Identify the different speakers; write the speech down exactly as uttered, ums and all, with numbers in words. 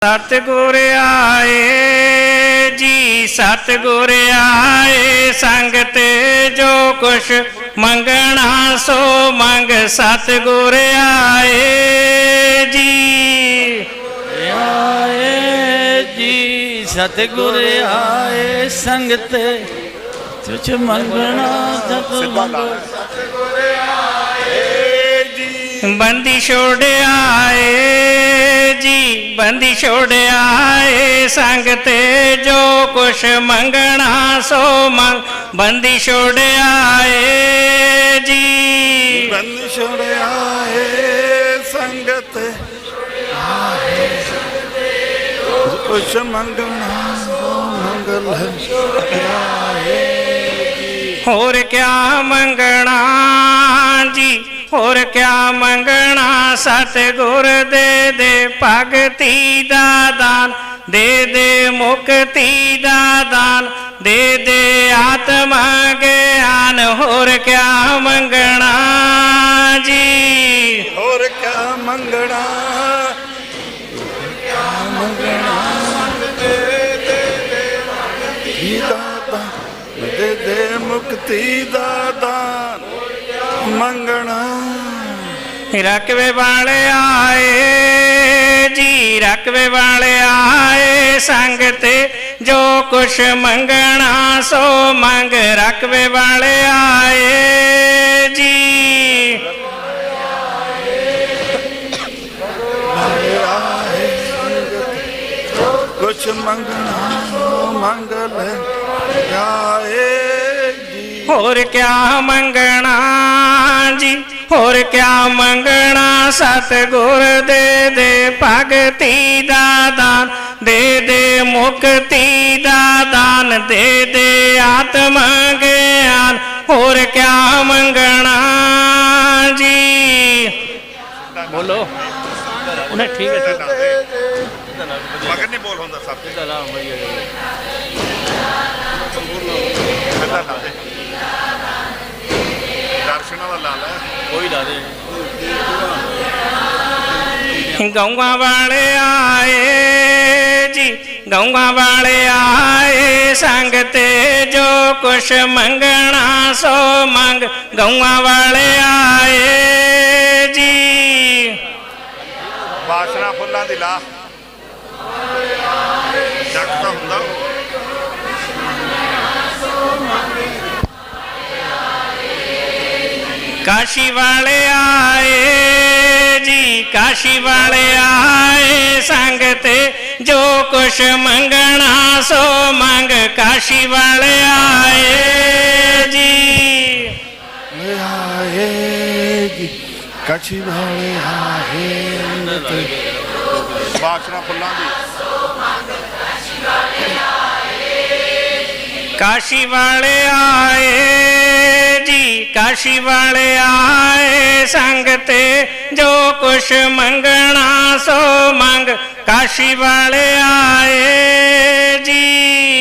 Speaker 1: सतगुर आए जी सतगुर आए संगत जो कुछ मंगना सो मंग। सतगुर आए जी
Speaker 2: आए जी सतगुर आए संगत तुझ मंगना सतगुर आए जी।
Speaker 1: बंदी छोड़ आए जी बंदी छोड़ आए संगत जो कुछ मंगना सो मंग। बंदी छोड़ आए जी
Speaker 2: बंदी छोड़ आए संगत कुछ मंगना सो मंगल आए।
Speaker 1: और क्या मंगना जी और क्या मंगना सतगुर दे दे भगती दा दान। दे दे मुक्ति दा दान दे दे आत्मा ज्ञान। और क्या मंगना जी
Speaker 2: और क्या मंगना क्या मंगना दे दे दे दाता दे दे मुक्ति दा दान मंगना।
Speaker 1: रकबे वाले आए जी रकबे वाले आए संगत जो कुछ मंगना सो मंग। रकबे वाले आए जी
Speaker 2: कुछ मंगना मंगल आए जी।
Speaker 1: और क्या मंगना जी और क्या मंगना सतगुर दे दे भगती दा दान। दे दे मुक्ति दा दान दे दे आत्मा ज्ञान। और क्या मंगना जी बोलो उन्हें ठीक है
Speaker 2: मगर नहीं बोल होंदा सब दर्शन वाला ला कोई ला दे।
Speaker 1: गौवा वाले आए जी गौवा वाले आए संगत जो कुछ मंगना सो मंग। गौवा वाले आए जी
Speaker 2: बासना फुल्लां दी ला जगता हुंदा
Speaker 1: काशी वाले आए जी काशी वाले आए संगत जो कुछ मंगना सो मंग। काशी वाले आए जी
Speaker 2: आए जी काशी वाले आए बासना फुल्लां दी
Speaker 1: काशी वाले आए जी काशी वाले आए संगत जो कुछ मंगना सो मंग। काशी वाले आए जी